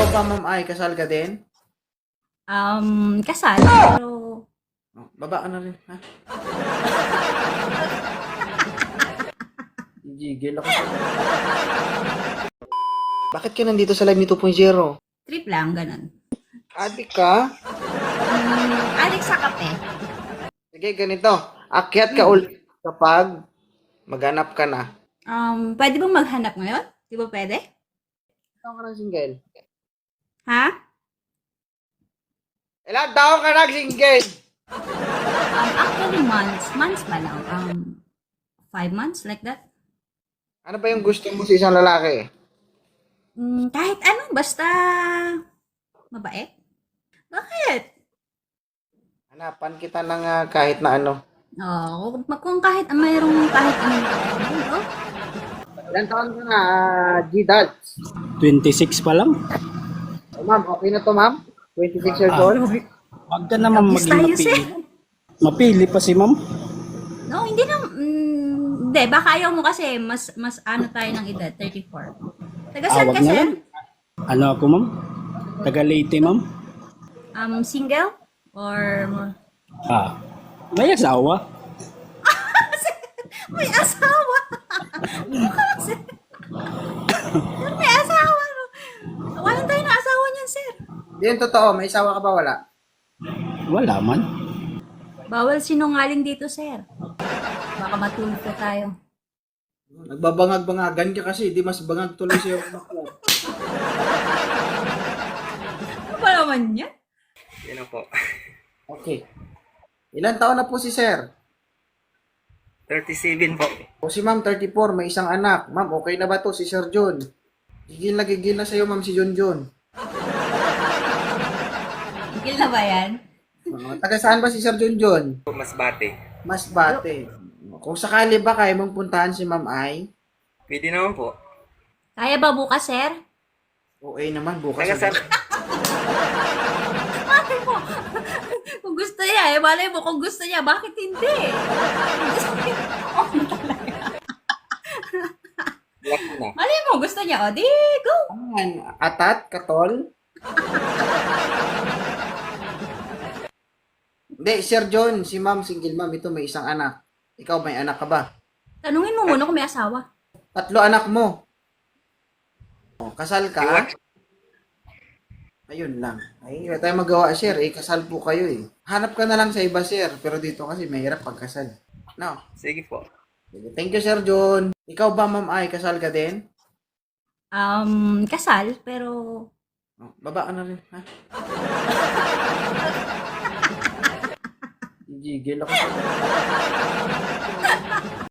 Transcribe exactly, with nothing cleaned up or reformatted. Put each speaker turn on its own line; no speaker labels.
Ikaw ba, ma'am, ay kasal ka din?
Um, kasal, pero
Oh, baba ka na rin, ha? Gigil ako. Bakit ka nandito sa live ni two point oh?
trip lang, ganun.
Adik ka?
Um, Alex sa kape.
Sige, ganito. Akyat ka ulit kapag maghanap ka na.
Um, pwede bang maghanap ngayon? Di ba pwede?
Ikaw ka ng single.
Ha?
Ilan taon ka nag-single?
Um, actually, months. Months pa lang. Um, five months, like that.
Ano ba yung gusto mo sa isang lalaki?
Mm, kahit ano, basta mabait. Bakit?
Hanapan kita ng ah, kahit na ano.
Oh, kung, kung kahit mayroong kahit anong ano, oh,
Ilan taon ka na, ah, G-Dads?
twenty-six pa lang.
Oh, ma'am, okay na to, ma'am? twenty-six years old?
Wag ka naman
Labis
maging
tayo,
mapili.
sir.
Mapili pa si ma'am.
No, hindi na, mm, hindi, baka ayaw mo kasi, mas, mas ano tayo ng edad, thirty-four. Taga
Ah,
saan
wag
ka,
na
sir?
lang. Ano ako ma'am? Taga Leyte ma'am.
Um, single? Or,
Ah, may asawa.
may asawa! Sir, may asawa, no? Walang tayo na asawa niyan, sir.
Hindi yung totoo, may isawa ka ba wala?
Wala man.
Bawal sinungaling dito, sir. Baka matulog pa tayo.
Nagbabangag-bangagan ka kasi, di mas bangag tuloy sa'yo.
Ano ba naman yan?
Yan na po. Okay. Ilan taon na po si sir?
thirty-seven po.
O si ma'am, thirty-four, may isang anak. Ma'am, okay na ba to si Sir John? Gigil na gigil na sa'yo, ma'am, si John John.
Tigil na ba yan?
Uh, taga saan ba si Sir John John?
Masbate.
Masbate. Kung sakali ba kaya mong puntahan si ma'am ay,
Pwede naman po.
Kaya ba bukas, sir?
okay naman, bukas.
Taga saan?
Malay mo. Kung gusto niya, eh, malay mo kung gusto niya, bakit hindi? Kung gusto niya, oh, talaga.
Black na.
Malay mo, gusto niya, o, di, go.
Ayan, atat, katol. Hindi, Sir John, si ma'am, single ma'am, ito may isang anak. Ikaw may anak ka ba?
Tanungin mo muna kung may asawa.
Tatlo anak mo. O, kasal ka?
Iwan.
Ayun lang. Ay, wala tayong magawa, sir. Eh, kasal po kayo eh. Hanap ka na lang sa iba, sir. Pero dito kasi mahirap pagkasal. No.
Sige po.
Sige. Thank you, Sir John. Ikaw ba, ma'am, ay kasal ka din?
Um, kasal, pero
Oh, baba ka na rin, ha? Gigil ako.